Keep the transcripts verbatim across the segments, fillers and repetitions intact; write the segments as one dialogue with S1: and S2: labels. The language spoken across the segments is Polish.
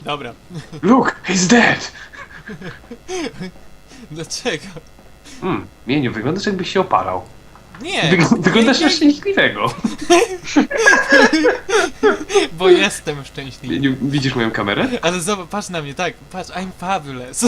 S1: Dobra.
S2: Look, he's dead!
S1: Dlaczego?
S2: Hmm, Mieniu, wyglądasz jakbyś się opalał.
S1: Nie!
S2: Wygl wyglądasz
S1: nie,
S2: na
S1: nie,
S2: szczęśliwego.
S1: bo jestem szczęśliwy.
S2: Mieniu, widzisz moją kamerę?
S1: Ale zobacz, patrz na mnie, tak, patrz, I'm fabulous.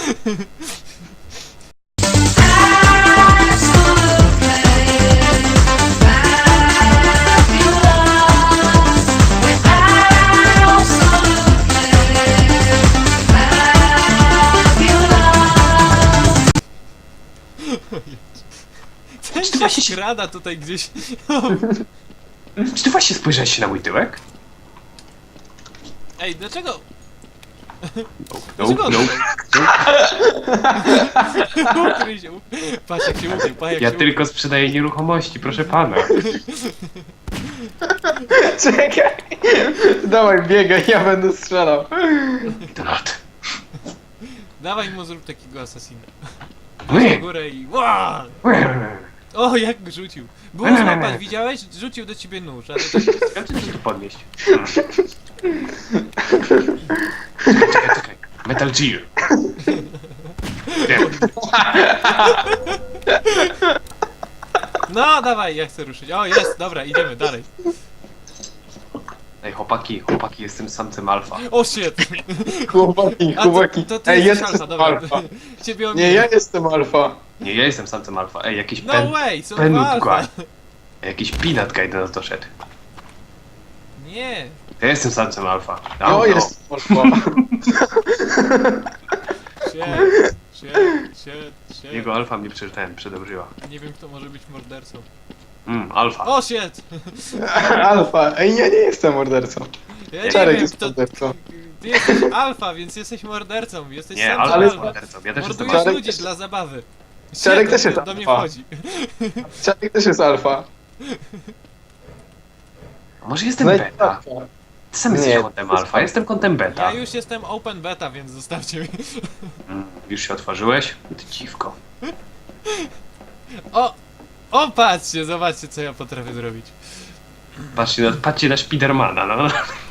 S1: Ten
S2: Czy ty
S1: się
S2: właśnie się-
S1: skrada tutaj gdzieś.
S2: Czy ty właśnie spojrzałeś się na mój tyłek?
S1: Ej, dlaczego?
S2: No,
S1: Dlaczego on
S2: no.
S1: tutaj? Ukryj się, ukryj. Patrz jak się ukrył, patrz jak
S2: Ja
S1: się
S2: tylko sprzedaję nieruchomości, proszę pana.
S3: Czekaj! Dawaj, biegaj, ja będę strzelał.
S2: Donald.
S1: ukrył. Dawaj mu zrób takiego asasina.
S2: Nie.
S1: Na górę i ła! O, jak go rzucił. Było
S2: Nie, nie, nie,
S1: złapać,
S2: nie.
S1: widziałeś? Rzucił do ciebie nóż, a to tak...
S2: Ja chcę się tu podnieść. Hmm. Czekaj, czekaj, czekaj. Metal Gear. Nie.
S1: No, dawaj, ja chcę ruszyć. O, jest, dobra, idziemy dalej.
S2: Ej, chłopaki, chłopaki, jestem samcem alfa.
S1: O, shit!
S3: Chłopaki,
S1: A to,
S3: chłopaki.
S1: to ty
S3: Ej,
S1: jesteś
S3: jestem
S1: alfa, dobra.
S3: alfa.
S1: Ciebie
S3: Nie,
S1: omiję.
S3: ja jestem alfa.
S2: Nie, ja jestem samcem alfa. Ej, jakiś
S1: No
S2: pen...
S1: way, są
S2: Penut
S1: dwa alfa.
S2: guy. Jakiś peanut guy do nas doszedł.
S1: Nie.
S2: Ja jestem samcem alfa.
S3: Ja
S2: no.
S3: jestem alfa.
S1: Shit, shit, shit, shit.
S2: Jego alfa mnie przeczytałem, przedobrzyła.
S1: Nie wiem, kto może być mordercą.
S2: Mm, alfa.
S1: O, shit!
S3: Alfa. Ej, ja nie jestem mordercą.
S1: Ja nie
S3: Czarek
S1: wiem,
S3: jest
S1: kto...
S3: mordercą.
S1: Ty jesteś alfa, więc jesteś mordercą. Jesteś
S2: Nie,
S1: sam
S2: alfa
S3: ale-
S2: jest
S1: alfa.
S2: mordercą. Ja też jestem
S1: Mordujesz
S3: Czarek
S1: ludzi
S3: jest-
S1: dla zabawy.
S3: Czarek
S1: Shit,
S3: też jest
S1: do, do mnie
S3: alfa.
S1: wchodzi.
S3: Czarek też jest alfa.
S2: A może jestem
S3: Znajdź
S2: beta?
S3: alfa.
S2: Ty sam jesteś
S3: Nie.
S2: kontem alfa, jestem kontem beta.
S1: Ja już jestem open beta, więc zostawcie mnie.
S2: Mm, już się otworzyłeś? Ty dziwko.
S1: O! O, patrzcie, zobaczcie, co ja potrafię zrobić.
S2: Patrzcie na, patrzcie na Spidermana, no.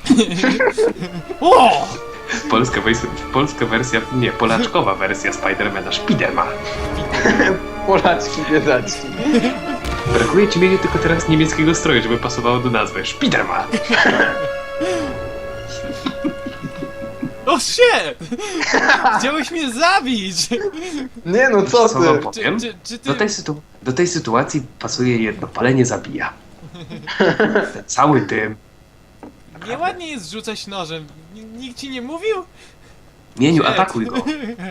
S1: O!
S2: Polska, wejs- polska wersja, nie, polaczkowa wersja Spidermana, Spiderman.
S3: Polaczki, biedaczki.
S2: Brakuje ci mieli tylko teraz niemieckiego stroju, żeby pasowało do nazwy. Spiderman.
S1: O, shit! Chciałeś mnie zabić!
S3: Nie no, co
S2: Co wam
S3: ty?
S2: powiem?
S1: Czy, czy, czy ty...
S2: Do tej, sytu- do tej sytuacji pasuje jedno, palenie zabija. Ten cały dym.
S1: Nieładnie jest rzucać nożem. N- Nikt ci nie mówił?
S2: Mieniu,
S1: Shit.
S2: atakuj go.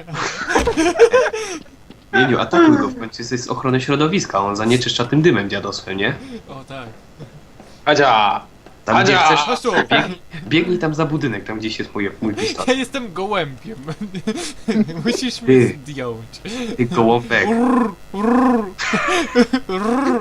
S2: Mieniu, atakuj go, w końcu jesteś z ochrony środowiska, on zanieczyszcza tym dymem dziadosłem, nie?
S1: O, tak.
S3: Adzia!
S2: Tam gdzie
S3: Adzia!
S2: chcesz,
S1: Chodź tu!
S2: biegnij, biegnij tam za budynek, tam gdzieś jest mój, mój pistolet.
S1: Ja jestem gołębiem. Musisz mnie
S2: Ty.
S1: zdjąć.
S2: Ty gołąbek.
S1: Rrr, rrr, rrr.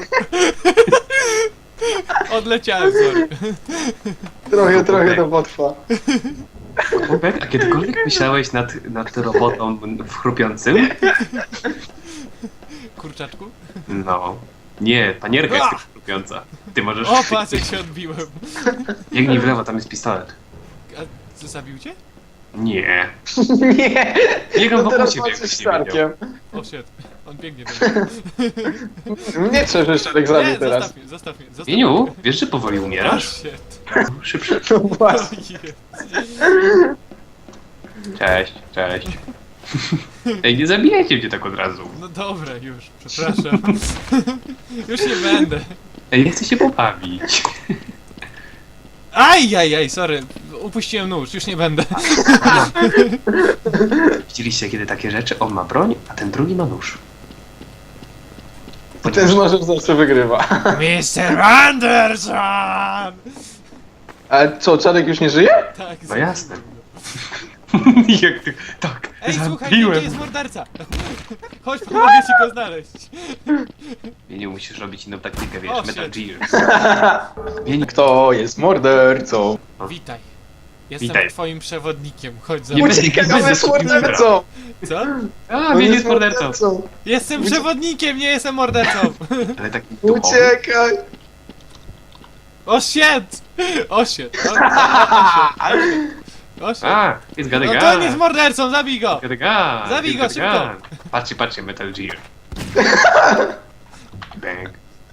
S1: Odleciałem, sorry.
S3: Trochę, trochę to potrwa.
S2: Gołąbek, a kiedykolwiek myślałeś nad, nad robotą w chrupiącym?
S1: Kurczaczku?
S2: No. Nie, panierka jest tylko chrupiąca. Ty możesz...
S1: O, patrz jak się odbiłem.
S2: Biegnij w lewo, tam jest pistolet.
S1: A co, zabił cię?
S2: Nie.
S3: Nie!
S2: Biegam
S3: No
S2: wokół
S3: teraz
S2: ciebie,
S3: patrzysz
S2: jakbyś nie wiedział.
S3: Czarkiem.
S1: O, shit. On biegnie do mnie.
S3: Mnie trzeba, że Czarek
S1: Nie,
S3: zabił teraz.
S1: zostaw mnie, zostaw mnie, zostaw
S2: Mieniu,
S1: mnie.
S2: wiesz, że powoli
S1: O,
S2: umierasz?
S1: shit.
S2: Szybszy.
S3: No
S1: O,
S3: właśnie.
S1: jest.
S2: Cześć, cześć. Ej, nie zabijajcie mnie tak od razu.
S1: No dobra, już, przepraszam. Już nie będę.
S2: Ej, ja chcę się pobawić.
S1: Aj, aj, aj, sorry. Upuściłem nóż, już nie będę.
S2: Widzieliście kiedy takie rzeczy? On ma broń, a ten drugi ma nóż.
S3: I ten z nożem zawsze wygrywa.
S1: mister Anderson!
S3: A co, Czarek już nie żyje?
S1: Tak,
S2: No jasne. Jak ty... Tak,
S1: Ej, słuchaj,
S2: zabiłem.
S1: gdzie jest morderca? Chodź, pomogę ci go znaleźć.
S2: Mieniu, musisz robić inną taktykę, wiesz,
S1: O,
S2: Metal
S1: shit.
S2: Gear. Mieniu,
S3: Kto jest mordercą?
S1: Witaj. Jestem
S2: Witaj.
S1: twoim przewodnikiem, chodź za
S2: Nie
S1: mną.
S2: będę-
S3: Uciekaj,
S2: nie
S3: on
S2: będę
S3: jest
S2: szukał
S3: mordercą!
S1: Co?
S2: A,
S3: On
S2: Mieniu jest mordercą.
S1: Jestem przewodnikiem, nie jestem mordercą.
S2: Ale taki duchowy.
S3: Uciekaj!
S1: O shit! O shit! O, o, o, o, shit. Oś.
S2: A, jest
S1: No
S2: gada
S1: to on jest mordercą, zabij go!
S2: Gada gada.
S1: Zabij go, szybko.
S2: Patrzcie, patrzcie, Metal Gear. Bang.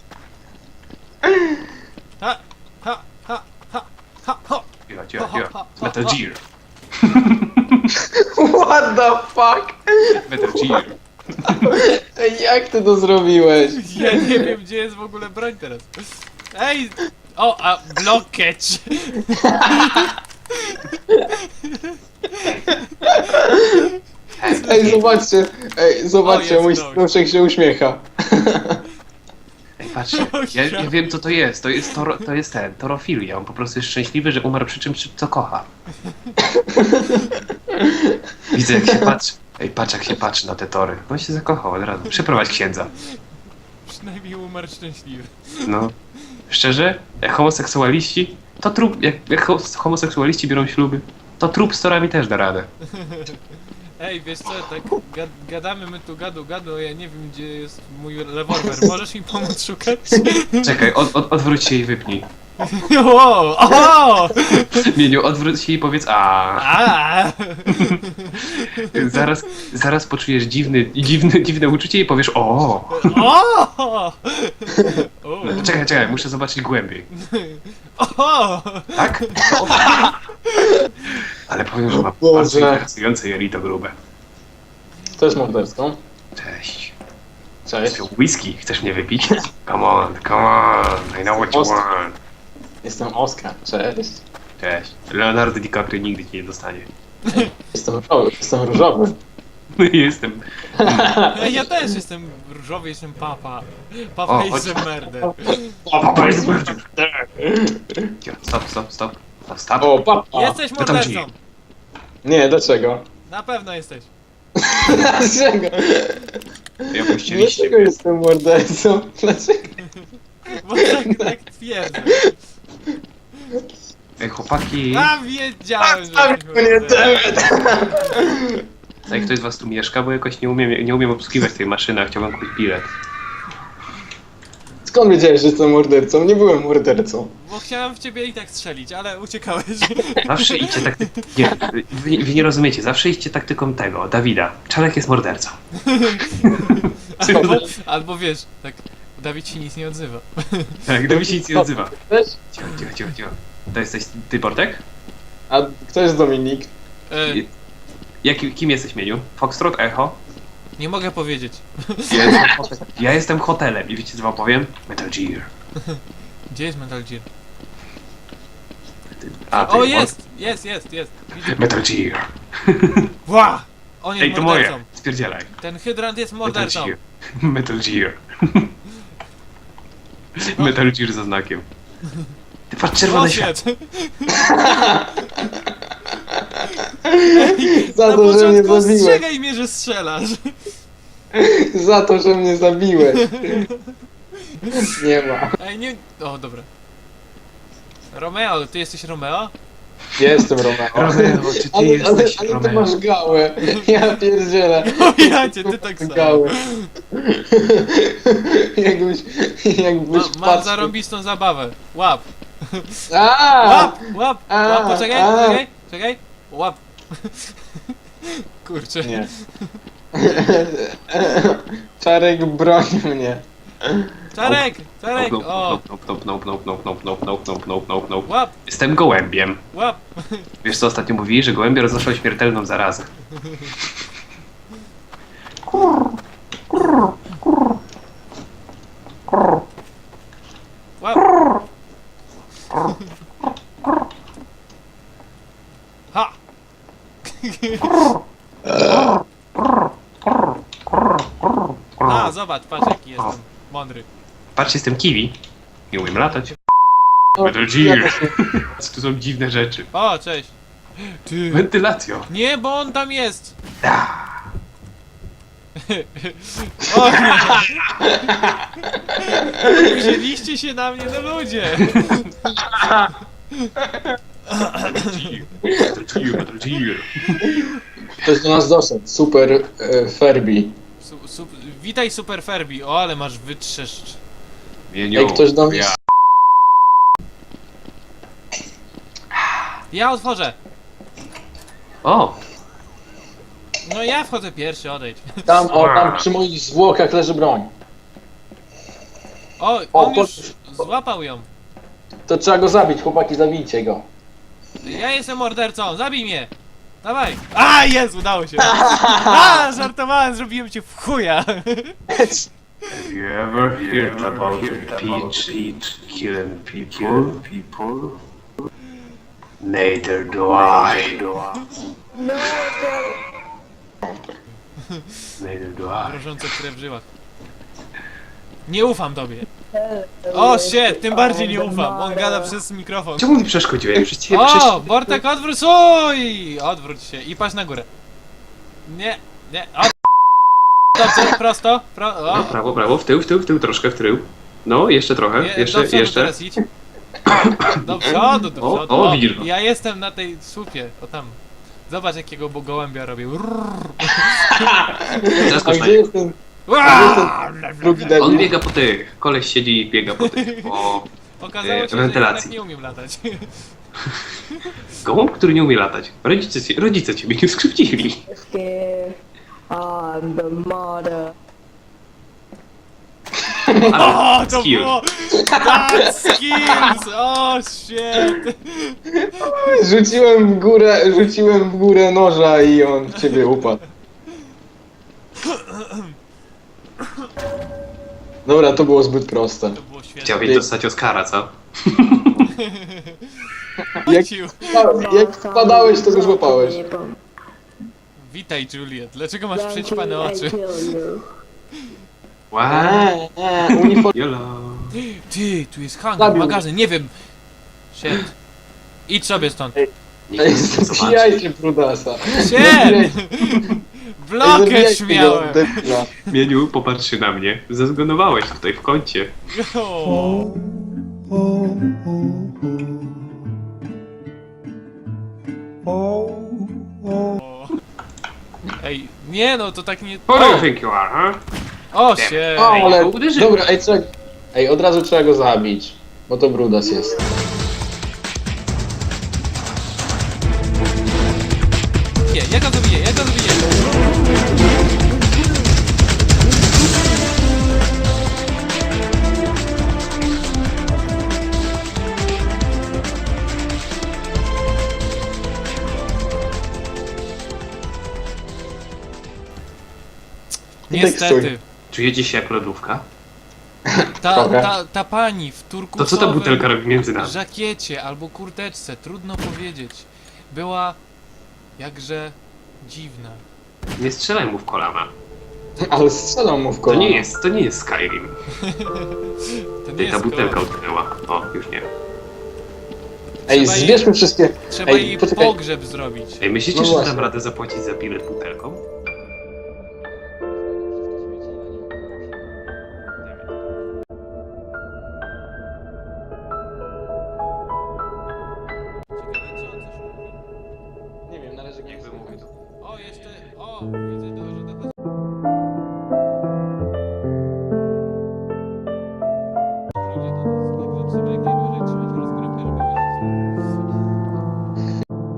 S1: Ha, ha, ha, ha, ha, ho!
S2: Cicho, cicho, cicho. Metal Gear.
S3: What the fuck?
S2: Metal Gear.
S3: Ej, jak ty to zrobiłeś?
S1: Ja nie wiem, gdzie jest w ogóle broń teraz. Ej! O, a blockage!
S3: Ej, zobaczcie, ej, zobaczcie,
S1: O,
S3: mój
S1: jest broń.
S3: snuszek się uśmiecha.
S2: Ej, patrzcie, ja, ja wiem co to jest. To jest, toro, to jest ten, torofilia. On po prostu jest szczęśliwy, że umarł przy czymś, co kocha. Widzę jak się patrzy. Ej, patrz jak się patrzy na te tory. On się zakochał od razu. Przyprowadź księdza.
S1: Przynajmniej umarł szczęśliwy.
S2: No. Szczerze, jak homoseksualiści, to trup, jak, jak ho- homoseksualiści biorą śluby, to trup z torami też da radę.
S1: Ej, wiesz co, tak gad gadamy my tu gadu gadu, a ja nie wiem, gdzie jest mój rewolwer. Możesz mi pomóc szukać?
S2: Czekaj, od, od, odwróć się i wypnij.
S1: O! O!
S2: Mieniu, odwróć się i powiedz a.
S1: A!
S2: Zaraz, zaraz poczujesz dziwny, dziwny, dziwne uczucie i powiesz o.
S1: O! O!
S2: Czekaj, czekaj, muszę zobaczyć głębiej.
S1: O!
S2: Tak? O. Ale powiem, że ma
S3: Boże.
S2: bardzo interesujące jelito grube.
S3: To jest morderstwo.
S2: Cześć.
S3: Cześć.
S2: Whisky, chcesz mnie wypić? Come on, come on, I know what you
S3: Oskar.
S2: want.
S3: Jestem Oskar, cześć.
S2: Cześć. Leonardo DiCaprio nigdy cię nie dostanie.
S3: Jestem różowy, jestem różowy.
S2: Jestem.
S1: Ej, ja też jestem różowy, jestem papa. Papa
S2: O,
S1: jest
S2: chodź.
S1: murder.
S2: Papa jest murder. Stop, stop, stop. Stop, stop.
S3: O, papa.
S1: Jesteś
S2: to tam
S1: mordercą!
S3: Nie, dlaczego?
S1: Na pewno jesteś.
S3: Dlaczego?
S2: I opuściliście
S3: Dlaczego
S2: mnie.
S3: jestem mordercą? Dlaczego?
S1: Bo tak, tak twierdzę.
S2: Ej, chłopaki.
S1: A wiedziałem, że
S3: Tam
S1: jesteś
S3: mnie
S1: mordercą.
S3: temat.
S2: Ej, ktoś z was tu mieszka? Bo jakoś nie umiem, nie umiem obsługiwać tej maszyny, a chciałbym kupić bilet.
S3: Skąd wiedziałeś, że jestem mordercą? Nie byłem mordercą.
S1: Bo chciałem w ciebie i tak strzelić, ale uciekałeś.
S2: Zawsze idźcie takty... Nie, wy, wy nie rozumiecie, zawsze idźcie taktyką tego, Dawida. Czarek jest mordercą.
S1: Albo, albo wiesz, tak, Dawid się nic nie odzywa.
S2: Tak, Dawid się nic nie odzywa.
S3: Też?
S2: Cicho, cicho, cicho, cicho. To jesteś ty, Bartek?
S3: A kto jest Dominik?
S1: E,
S2: Jaki, kim jesteś, Mieniu? Foxtrot, Echo?
S1: nie mogę powiedzieć.
S2: Ja jestem, hotel- ja jestem hotelem i wiecie co wam powiem? Metal Gear.
S1: Gdzie jest Metal Gear?
S2: A, ty,
S1: O,
S2: on-
S1: jest! Jest, jest, jest. Widzę.
S2: Metal Gear.
S1: Ła! On jest
S2: Ej, to
S1: mordercą.
S2: moje. Spierdzielaj.
S1: Ten hydrant jest
S2: Metal
S1: mordercą.
S2: Gear. Metal Gear. Metal Gear ze znakiem. Ty patrz, czerwone światło.
S1: Ej,
S3: Za
S1: na
S3: to, że mnie
S1: początku
S3: zabiłeś.
S1: ostrzegaj mnie, że strzelasz.
S3: Za to, że mnie zabiłeś. Nie ma.
S1: Ej, nie... O, dobra. Romeo, ty jesteś Romeo?
S3: Jestem Romeo.
S2: Romeo, czy ty
S3: Ale, ale,
S2: jesteś
S3: ale ty
S2: Romeo?
S3: masz gałę. Ja pierdzielę.
S1: O, ja cię, ty tak samo.
S3: Gałę. Jakbyś, jakbyś
S1: Ma, mam
S3: patrzył.
S1: zarąbistą zabawę. Łap.
S3: A!
S1: Łap, łap,
S3: A,
S1: łap, poczekaj,
S3: a.
S1: poczekaj, czekaj. Łap. Kurczę.
S3: Nie. Czarek broni mnie.
S1: Czarek, Czarek,
S2: Nope,
S1: o.
S2: nope, nope, nope, nope, nope, nope, nope, nope, nope, nope, nope, nope.
S1: Łap,
S2: Jestem gołębiem.
S1: łap.
S2: Wiesz co ostatnio mówili? Że gołębie roznoszą śmiertelną zarazę.
S1: Łap. Ha! A, zobacz, patrz jaki jestem mądry.
S2: Patrz, jestem kiwi. Nie umiem latać.
S3: O,
S2: Metal
S3: ja
S2: Gear.
S3: też nie-
S2: Tu są dziwne rzeczy.
S1: O, cześć. Ty.
S2: Wentylacja.
S1: Nie, bo on tam jest. O nie. Wzięliście się na mnie, no ludzie.
S2: Metal Gear, Metal Gear.
S3: Ktoś do nas doszedł. Super e, Ferbi.
S1: Su, su, witaj Super Ferbi. O, ale masz wytrzeszcz.
S2: Mieniu,
S3: Ej, ktoś do mnie...
S2: ja.
S1: Ja otworzę.
S2: O!
S1: No ja wchodzę pierwszy, odejdź.
S3: Tam, o, tam przy moich zwłokach leży broń.
S1: O,
S3: O,
S1: on
S3: to-
S1: już złapał ją.
S3: To trzeba go zabić, chłopaki, zabijcie go.
S1: Ja jestem mordercą, zabij mnie! Dawaj! A, jest, udało się! A, żartowałem, zrobiłem cię w chuja!
S2: Have you ever heard about Peach killing people? Neither do I. Neither do I.
S1: Mrożące krew w żyłach. Nie ufam tobie. O, shit, tym bardziej nie ufam. On gada przez mikrofon.
S2: Czemu mi przeszkodziłeś? Przecież cię
S1: O,
S2: przecież...
S1: Bortek, odwróć, uj! Odwróć się i patrz na górę. Nie, nie, o. Dobrze, prosto, pro,
S2: No,
S1: o.
S2: prawo, prawo, w tył, w tył, w tył, troszkę w tył. No, jeszcze trochę,
S1: Je,
S2: jeszcze,
S1: do przodu
S2: jeszcze.
S1: teraz idź. Do przodu, do
S2: O,
S1: przodu.
S2: o, widzisz go.
S1: Ja jestem na tej słupie, o tam. Zobacz jakiego bo gołębia robię.
S3: A
S2: Zaskocz na
S3: gdzie
S2: niego.
S3: jest ten
S1: Uaa!
S3: drugi
S2: On
S3: debil?
S2: biega po tych, koleś siedzi i biega po tych, po
S1: Okazało
S2: e,
S1: się, że
S2: wentylacji.
S1: jednak nie umiem latać.
S2: gołąb, który nie umie latać. Rodzice, ci- rodzice ciebie nie skrzywdzili.
S4: Scared. I'm the martyr.
S1: O, to
S2: skill.
S1: było! Tak, skills! O, shit!
S3: Rzuciłem w górę, rzuciłem w górę noża i on w ciebie upadł. Dobra, to było zbyt proste.
S1: To było świetne.
S2: Chciałbyś dostać Oscara, co?
S3: Jak,
S1: Ciu.
S3: jak wpadałeś, to go złapałeś.
S1: Witaj, Juliet. Dlaczego masz przećpane oczy?
S2: Wow.
S3: Eee, eee, uniform...
S2: Jolo.
S1: Ty, tu jest hangar,
S3: Zabił.
S1: magazyn, nie wiem. Shit. Idź sobie stąd.
S2: Nikt nie zobaczy.
S3: Zabijajcie Brudasa.
S1: Shit! Blokę
S3: Zabijajcie go,
S1: śmiałem.
S3: debila.
S2: Mieniu, popatrz się na mnie. Zezgonowałeś tutaj w kącie.
S1: O. O. Ej, nie no, to tak nie...
S2: Who do you
S1: O,
S2: think you are, huh?
S1: o się.
S3: O, ale...
S2: go uderzyłem.
S3: Dobra, ej, trzeba... Ej, od razu trzeba go zabić. Bo to Brudas jest.
S1: Nie, ja go zabiję, ja go zabiję. Niestety.
S2: Czujecie się jak lodówka?
S1: Ta,
S3: Trochę.
S1: ta, ta pani w turkusowym
S2: To co ta butelka robi między nami?
S1: żakiecie albo kurteczce, trudno powiedzieć, była jakże dziwna.
S2: Nie strzelaj mu w kolana.
S3: Ale strzelam mu w
S2: To
S3: kolano.
S2: nie jest, to nie jest Skyrim.
S1: To nie
S2: Ej, ta
S1: jest
S2: butelka
S1: kolor.
S2: utknęła. O, już nie.
S3: Ej,
S1: Trzeba jej-
S3: zbierzmy wszystkie...
S1: Trzeba
S3: Ej,
S1: jej
S3: poczekaj.
S1: pogrzeb zrobić.
S2: Ej, myślicie,
S3: No
S2: że
S3: właśnie.
S2: dam radę zapłacić za bilet butelką?
S3: Nie wiem, należy go
S2: wymówić.
S1: O, jeszcze, o, widzę to, że to... Ludzie to nas, także trzeba jak najdłużej trzymać rozgrywkę, żeby wyjść.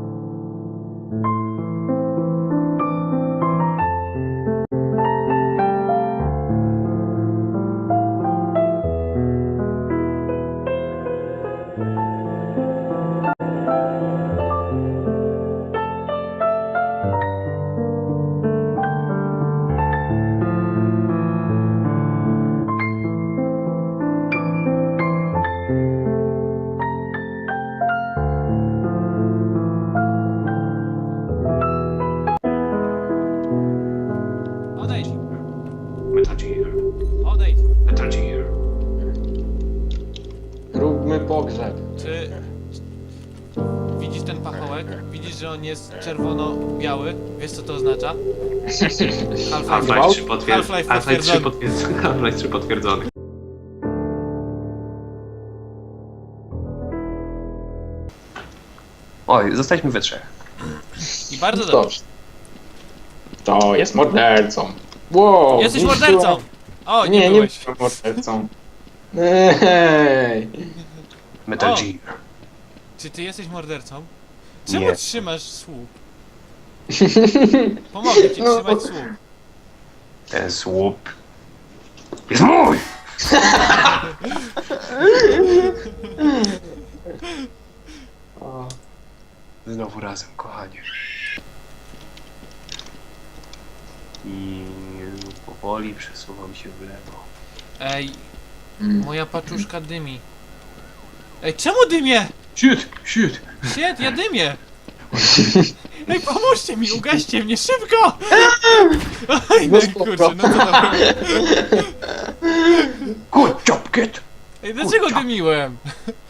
S1: Odejdź,
S2: Metal Gear.
S1: odejdź.
S2: Metal Gear.
S3: Róbmy pogrzeb.
S1: Czy... Widzisz ten pachołek? Widzisz, że on jest czerwono-biały? Wiesz co to oznacza? Half-Life.
S2: Half-Life trzy potwierdzony.
S1: Half-Life
S2: Half-Life trzy
S1: potwierdzony.
S2: potwierdzony. Half-Life trzy potwierdzony. Oj, zostaliśmy we trzech.
S1: I bardzo dobrze.
S3: Dobrze. To jest mordercą. Wow,
S1: Jesteś
S3: zniszczyła-
S1: mordercą! O, nie,
S3: Nie, nie
S1: byłeś.
S3: jestem mordercą. Ej.
S2: Metal
S1: O.
S2: Gear.
S1: Czy ty jesteś mordercą? Czemu
S2: Nie.
S1: trzymasz słup? Pomogę ci
S3: No.
S1: trzymać słup.
S2: Ten słup jest mój!
S3: O,
S2: Znowu razem, kochanie. I powoli przesuwam się w lewo.
S1: Ej,
S3: mm.
S1: moja paczuszka dymi. Ej, czemu dymię?
S2: Shit, shit!
S1: Shit, ja dymię! Ej, pomóżcie mi, ugaście mnie, szybko! Ej, no
S3: No
S1: i kurczę,
S3: spoko.
S1: no co tam?
S2: Good job, kid!
S1: Ej, dlaczego
S2: Kurczę.
S1: dymiłem?